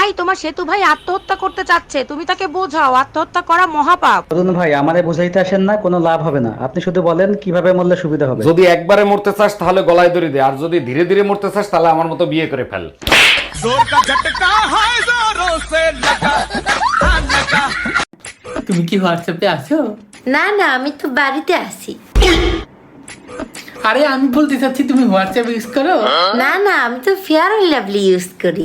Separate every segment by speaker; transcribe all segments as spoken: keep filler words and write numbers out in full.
Speaker 1: ভাই তোমার সেতু ভাই আত্মহত্যা করতে চাচ্ছে, তুমি তাকে বোঝাও আত্মহত্যা করা মহাপাপ।
Speaker 2: অরুণ ভাই আমারে বুঝাইতে আসেন না, কোনো লাভ হবে না। আপনি শুধু বলেন কিভাবে মরলে সুবিধা হবে।
Speaker 3: যদি একবারে মরতে চাস তাহলে গলায় দড়ি দে, আর যদি ধীরে ধীরে মরতে চাস তাহলে আমার মতো বিয়ে করে ফেল।
Speaker 4: তুমি কি হোয়াটসঅ্যাপে আছো?
Speaker 5: না না, আমি তো বাড়িতে আছি।
Speaker 4: আরে আমি বলতে চাচ্ছি তুমি হোয়াটসঅ্যাপ ইউজ করো?
Speaker 5: না না, আমি তো ফেয়ার অ্যান্ড লাভলি ইউজ করি।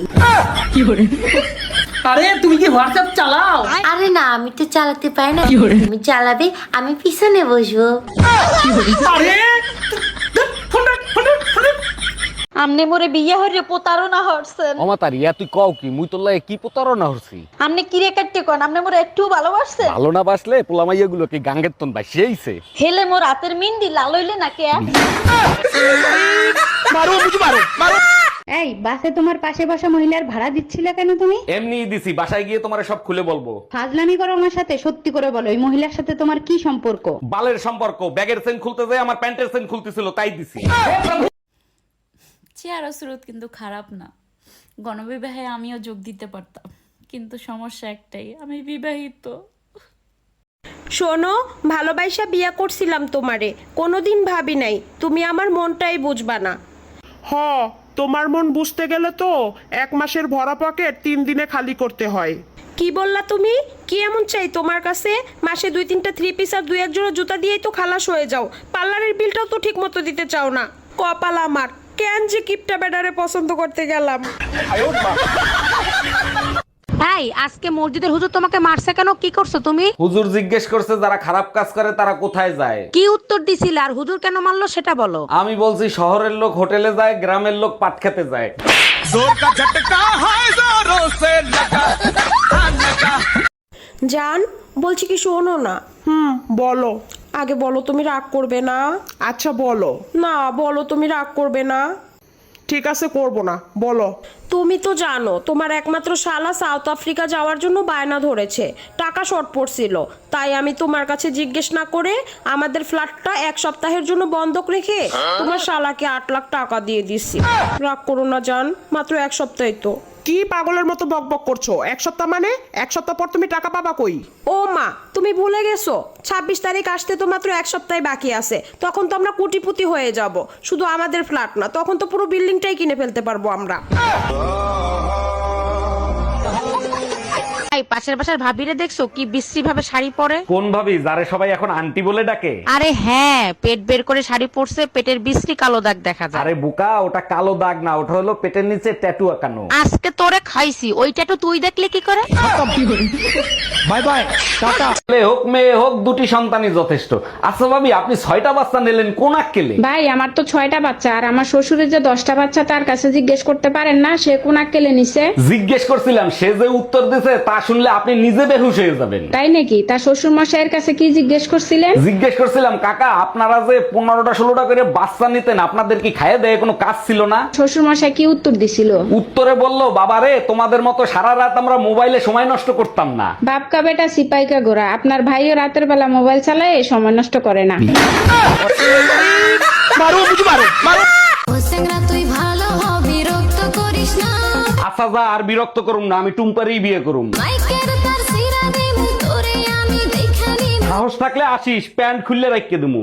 Speaker 4: আরে তুমি কি হোয়াটসঅ্যাপ চালাও?
Speaker 5: আরে না, আমি তো চালাতে পারি না। তুমি চালাবে, আমি পিছনে বসবো।
Speaker 4: আরে
Speaker 6: আমনে মোরে বিয়ে হইরে প্রতারণা হরছেন।
Speaker 3: অমাতার ইয়া তুই কও কি, মুই তোর লাগে কি প্রতারণা হচ্ছি?
Speaker 6: আমনে কিরে কাটতে কোন আমনে মোরে একটু ভালোবাসছেন?
Speaker 3: ভালো না বাসলে পোলামাইয়া গুলো কি গাঙ্গের তন বাসিয়েছে?
Speaker 6: হেলে মোর রাতের মিন্দি লাল হইলে নাকি?
Speaker 3: মারো বুঝি মারো মারো।
Speaker 7: এই বাসে তোমার পাশে বসা মহিলার ভাড়া দিচ্ছিলে কেন তুমি?
Speaker 3: এমনি দিছি, বাসায় গিয়ে তোমারে সব খুলে বলবো।
Speaker 7: ফাজলামি করো আমার সাথে, সত্যি করে বলো এই মহিলার সাথে তোমার কি সম্পর্ক?
Speaker 3: বালের সম্পর্ক, ব্যাগের চেন খুলতে যায় আমার প্যান্টের চেন খুলতেছিল তাই দিছি।
Speaker 8: চেহারা স্রোত কিন্তু খারাপ না। গণবিবাহে আমিও যোগ দিতে পারতাম, কিন্তু সমস্যা একটাই, আমি বিবাহিত।
Speaker 9: শোনো, ভালোবাসা বিয়া করছিলাম তোমারে, কোনোদিন ভাবি নাই তুমি আমার মনটাই বুঝবা না।
Speaker 10: হ, তোমার মন বুঝতে গেলে তো এক মাসের ভরা পকেট তিন দিনে খালি করতে হয়।
Speaker 9: কি বললা তুমি? কি এমন চাই তোমার কাছে? মাসে দুই তিনটা থ্রি পিস আর দুই এক জোড়া জুতা দিয়েই তো খালাস হয়ে যাও। পার্লারের বিলটাও তো ঠিক মতো দিতে চাও না। কপাল আমার, কেন যে কিপটা বেডারে পছন্দ করতে গেলাম।
Speaker 1: এই আজকে মসজিদের হুজুর তোমাকে মারছে কেন? কি করছো তুমি?
Speaker 3: হুজুর জিজ্ঞেস করছে যারা খারাপ কাজ করে তারা কোথায় যায়।
Speaker 1: কি উত্তর দিছিলে? আর হুজুর কেন মারলো সেটা বলো।
Speaker 3: আমি বলছি শহরের লোক হোটেলে যায়, গ্রামের লোক পাট খেতে যায়।
Speaker 9: জান, বলছি কি শোনো না।
Speaker 10: হুম, বলো।
Speaker 9: আগে বলো তুমি রাগ করবে না?
Speaker 10: আচ্ছা বলো।
Speaker 9: না বলো তুমি রাগ করবে না।
Speaker 10: ঠিক আছে, করবো না, বলো।
Speaker 9: তুমি তো জানো তোমার একমাত্র শালা সাউথ আফ্রিকা যাওয়ার জন্য বায়না ধরেছে, টাকা শর্ট পড়ছিল, তাই আমি তোমার কাছে জিজ্ঞেস না করে আমাদের ফ্ল্যাটটা এক সপ্তাহের জন্য বন্ধক রেখে তোমার শালাকে আট লাখ টাকা দিয়ে দিছি। রাগ করো না জান, মাত্র এক সপ্তাহে তো।
Speaker 10: কি পাগলের মতো বকবক করছো? এক সপ্তাহ মানে এক সপ্তাহ পর তুমি টাকা পাবা কই?
Speaker 9: ও মা, তুমি ভুলে গেছো ছাব্বিশ তারিখ আসতে তো মাত্র এক সপ্তাহ বাকি আছে। তখন তো আমরা কোটিপতি হয়ে যাব। শুধু আমাদের ফ্ল্যাট না, তখন তো পুরো বিল্ডিংটাই কিনে ফেলতে পারবো আমরা।
Speaker 1: এই পাশের বাসার ভাবিরে দেখছো কি বিশ্রী ভাবে শাড়ি পরে?
Speaker 3: কোন ভাবি যারে সবাই এখন আন্টি বলে ডাকে?
Speaker 1: আরে হ্যাঁ, পেট বের করে শাড়ি পরছে, পেটের বিশ্রী কালো দাগ দেখা যায়।
Speaker 3: আরে বুকা, ওটা কালো দাগ না, ওটা হলো পেটের নিচে ট্যাটু আঁকানো।
Speaker 1: আজকে তোরে খাইছি, ওইটা তো তুই দেখলে কি করে?
Speaker 3: Bye bye, tata. ছেলে হোক মেয়ে হোক দুটি সন্তানই যথেষ্ট। আচ্ছা ভাবি, আপনি ছয়টা বাচ্চা নিলেন কোন আক্কেলে?
Speaker 7: ভাই আমার তো ছয়টা বাচ্চা, আর আমার শ্বশুরের যে দশটা বাচ্চা তার কাছে জিজ্ঞেস করতে পারেন না সে কোন আক্কেলে নিছে?
Speaker 3: জিজ্ঞেস করছিলাম, সে যে উত্তর দিছে তা শুনলে আপনি নিজে বেহুশ হয়ে যাবেন।
Speaker 7: তাই নাকি? তার শ্বশুর মশাইয়ের কাছে কি জিজ্ঞেস করছিলেন?
Speaker 3: জিজ্ঞেস করছিলাম, কাকা আপনারা যে পনেরোটা ষোলোটা করে বাচ্চা নিতেন, আপনাদের কি খাইয়ে দেয় কোনো কাজ ছিল না?
Speaker 7: শ্বশুর মশাই কি উত্তর দিছিল?
Speaker 3: উত্তরে বলল, বাবা রে, তোমাদের মতো সারা রাত আমরা মোবাইলে সময় নষ্ট করতাম না।
Speaker 7: বাপকা বেটা সিপাইকা গোরা, আপনার ভাইও রাতের বেলা মোবাইল চালায় সময় নষ্ট করে না।
Speaker 3: মারো বুঝি মারো মারো।
Speaker 5: তুই ভালো হ, বিরক্ত করিস না।
Speaker 3: আচ্ছা যা, আর বিরক্ত করুম না, আমি টুম্পারেই বিয়ে করুম।
Speaker 5: মাইকের তার সিরা দিমু তোরে আমি দেখানি।
Speaker 3: সাহস থাকলে আসিস, প্যান্ট খুললে রাখিয়ে দিমু।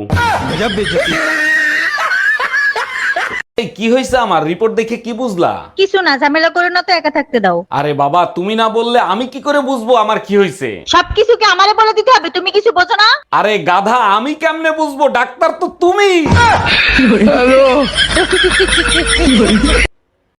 Speaker 3: এই কি হয়েছে আমার? রিপোর্ট দেখে কি বুঝলা?
Speaker 6: কিছু না, ঝামেলা করে না তো, একা থাকতে দাও।
Speaker 3: আরে বাবা, তুমি না বললে আমি কি করে বুঝবো আমার কি হয়েছে?
Speaker 6: সবকিছু কি আমারে বলে দিতে হবে? তুমি কিছু বোঝো না?
Speaker 3: আরে গাধা, আমি কেমনে বুঝবো? ডাক্তার তো তুমি।